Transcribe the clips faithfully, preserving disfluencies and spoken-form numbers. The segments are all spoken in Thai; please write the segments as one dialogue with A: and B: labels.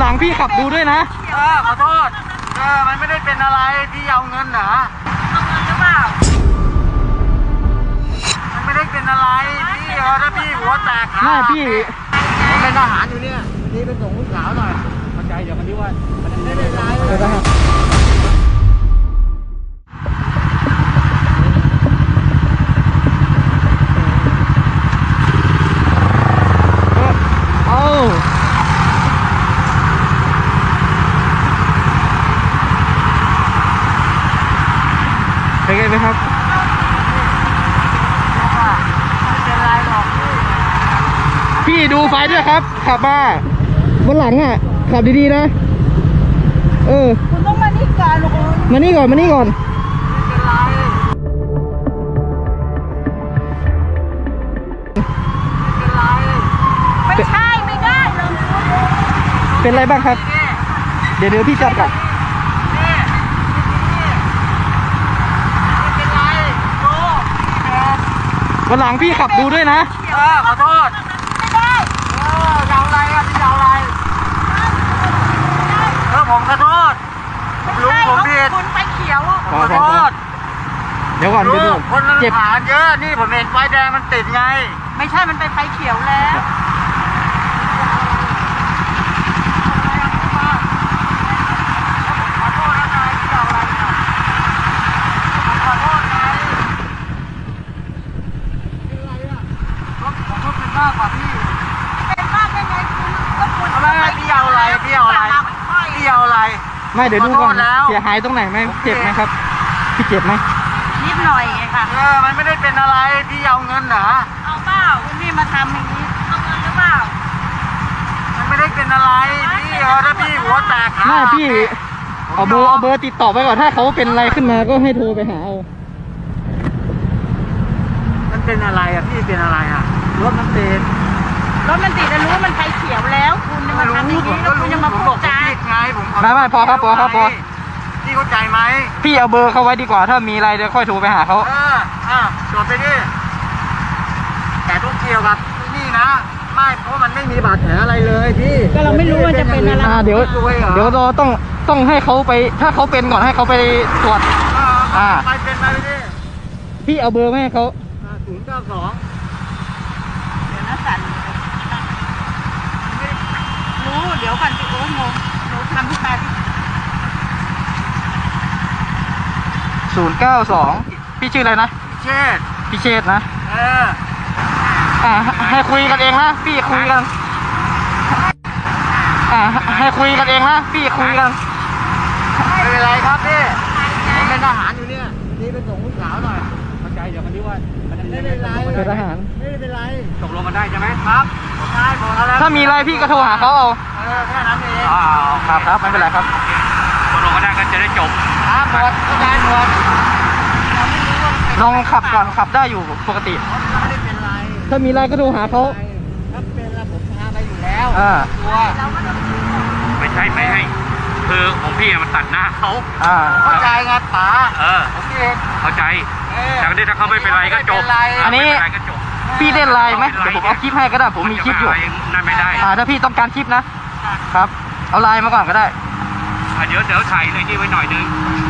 A: ลังพี่ขับดูด้วยนะ
B: เออขอโทษเออมันไม่ได้เป็นอะไรพี่เอาเงินเหรอ
C: เอาเงินหรือเปล่า
B: มันไม่ได้เป็นอะไรพี่เออถ้าพี่หัวแตกขา
A: ไม่พี่
B: ผมเป็นทหารอยู่เนี่ยนี่เป็นส่งลูกสาวหน่อยเข้าใจเดี๋ยวมันนี้ว่ามันไม่เป็นไรเลย
A: เป็นไงไหมครับ
B: ไม่เป็นไรหรอก
A: พี่ดูไฟด้วยครับขับมาบนหลังอ่ะขับดีๆนะเออ
C: คุณต้องมานี่ก่อนลูก
A: มานี่ก่อนมานี่ก่อน
C: ไม่ใช่ไม่ได้ลง
A: เป็นไรบ้างครับเดี๋ยวเดี๋ยวพี่จัดก่อนวันหลังพี่ขับดูด้วยนะ
B: เออขอโทษ
C: ไม่ได้
B: เออจะเอาอะไรอ่ะพี่จะเอาอะไรเออผมขอโทษลุงผมผิด
C: คุณไปเขียว
B: ขอโทษ
A: เดี๋ยวก่อนเดี๋ยวดู
B: คนเจ็บขาเยอะนี่ผมเห็นไฟแดงมันติดไง
C: ไม่ใช่มันไปไฟเขียวแล้ว
B: มากกว่าพี่
C: เป็นมากได้ไงคุณก็คุณ
B: อะไรพี่เอาอะไรพี่เอาอะไรพี่เอาอะไร
A: ไม่เดี๋ยวดูก่อนเสียหายตรงไหนไหมเจ็บไหมครับพี่เจ็บไหม
C: นิดหน่อยไงค่ะ
B: เออมันไม่ได้เป็นอะไรพี่เอาเงินเหรอ
C: เอาเปล่าคุณพี่มาทำอย่างนี้เอาเงินหรือเปล่า
B: มันไม่ได้เป็นอะไรพี่เออถ้าพี่หัวแตกขา
A: ไม่พี่เอาเบอร์เอาเบอร์ติดต่อไปก่อนถ้าเขาเป็นอะไรขึ้นมาก็ให้โทรไปหาเอา
B: มันเป็นอะไรอ่ะพี่เป็นอะไรอ่ะรถมันติด
C: รถมันติดแล้วรู้ว่ามันไฟเขียวแล้วคุณจะมาทำอย่างนี้แล้วคุณจะมาพูดจา
B: ไงผม
A: ไม่ไม่พอครับพอครับพอ
B: พี่เข้าใจไหม
A: พี่เอาเบอร์เขาไว้ดีกว่าถ้ามีอะไรเดี๋ยวค่อยโทรไปหาเขา
B: เอออ่ะจดไปดิแต่ต้องเกี่ยวกับนี่นะไม่เพราะมันไม่มีบาดแผลอะไรเลยพี่
C: ก็เราไม่รู้ว่าจะเป็นอะไร
A: เดี๋ยวเดี๋ยวเราต้องต้องให้เขาไปถ้าเขาเป็นก่อนให้เขาไปตรวจ
B: อ่าไปเป็นไปดิ
A: พี่เอาเบอร์แม่เขา
B: ศูนย์เก้าสอง
C: เดี๋ยวนะสั่นรู้เดี๋ยวก่อนพี่โอ้งงหนูทำที่ตาที่
A: ศูนย์เก้าสองพี่ชื่ออะไรนะ
B: เชษ
A: พี่เชษนะ
B: เออ
A: อ่าให้คุยกันเองนะพี่คุยกันอ่าให้คุยกันเองนะพี่คุยกัน
B: ไม่เป็นไรครับพี่ผมเป็นทหารอยู่เนี่ยนี่เป็นส่งลูกสาวหน่อยเข้าใจเดี๋ยวมันนี้ว่ามันไม่เป็นไร
A: เป็นทหาร
B: ไม่เป็นไรตกลงกันได้ใช่ไหมครับได้หมดแล้ว
A: ถ้ามีอะไรพี่ก็โทรหาเขาเอา
B: เออแค่นั้นเอง
A: อ๋อครับครับไม่เป็นไรครับ
B: ตกลงกันได้ก็จะได้จบครับหมดได้หมด
A: ลองขับก่อนขับได้อยู่ปกติ
B: ไม่ได้เป็นไร
A: ถ้ามีอะไรก็โทรหาเขา
B: ถ้าเป็นแล้วผมพาไปอยู่แล้ว
A: ตัว
B: ไม่ใช่ไม่ให้คือของพี่มันตัดหน้าเขาเข้าใจไงป๋าเออโอเคเข้าใจจากนี้ถ้าเขาไม่เป็นไรก็จบ
A: อันนี้พี่เล่นไลน์ไหมเดี๋ยวผมเอาคลิปให้ก็ได้ผมมีคลิปอยู่
B: นั่นไม่ได้
A: อ่าถ้าพี่ต้องการคลิปนะครับเอาไลน์มาก่อนก็ได้
B: เดี๋ยวเดี๋ยวถ่ายเลยนี่ไว้หน่อยนึง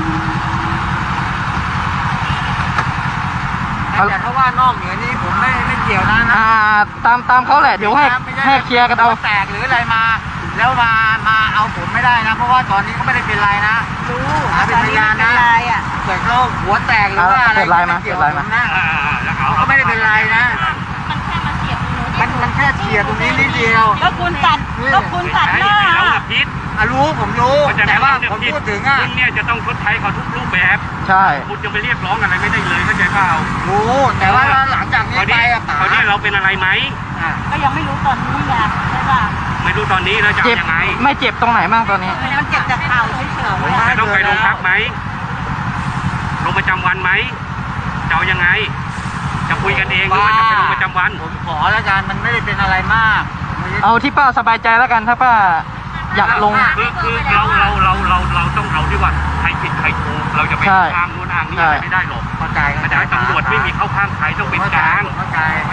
B: แต่ถ้าว่านอกเหนือนี้ผมไม่ไม่เกี่ยวนะนะ
A: อ่าตามตามเขาแหละเดี๋ยวให้ให้เคลียร์กันเอา
B: แตกหรืออะไรมาแล้วมามาเอาผมไม่ได้นะเพราะว่าตอนนี้เขาไม่ได้เป็นไรนะ
C: รู้
B: เป็นพยานนะเกิดเขาหัวแตกหรือว่าอะไร
A: ไม่เกี่ยวกับผมนะ
B: เขาไม่ได้เป็นไรนะ
C: มันแค่มาเสียบตรงนี้
B: มันมันแค่เฉียดตรงนี้นิดเดียว
C: ก็คุณตัดก็คุณตัดหน้า
B: อ่ะรู้ผมรู้แต่ว่าผมพูดถึงอ่ะ
D: คุณเนี่ยจะต้องชดใช้เขาทุกรูปแบบ
A: ใช่
D: คุณจะไปเรียกร้องอะไรไม่ได้เลยเข้าใจเปล่า
B: รู้แต่ว่าหลังจากนี้ไปอ่ะป๋า
D: เขาเนี่ยเราเป็นอะไรไหม
C: ก็ยังไม่รู้ตอนนี้ไงใช่ป่ะ
D: ไม่รู้ตอนนี้เราจะยังไง
A: ไม่เจ็บตรงไหนบ้างตอนนี้
C: มันเจ็บจากเข่าเฉยๆ
D: จะต้องไปโรงพักไหมลงประจำวันไหมจะเอายังไงจะคุยกันเองหรือว่าจะไปลงประจำวัน
B: ผมขอแล้วกันมันไม่ได้เป็นอะไรมาก
A: เอาที่ป้าสบายใจแล้วกันถ้าป้าอยากลง
D: คือคือเราเราเราเราเราต้องเอาที่ว่าใครผิดใครถูกเราจะไปข้ามนู้นทางนี้ไม่ได้หรอก
B: เข้าใจ
D: แต่ตำรวจไม่มีเข้าข้างใครต้องเป็นกลาง
B: เข้าใจ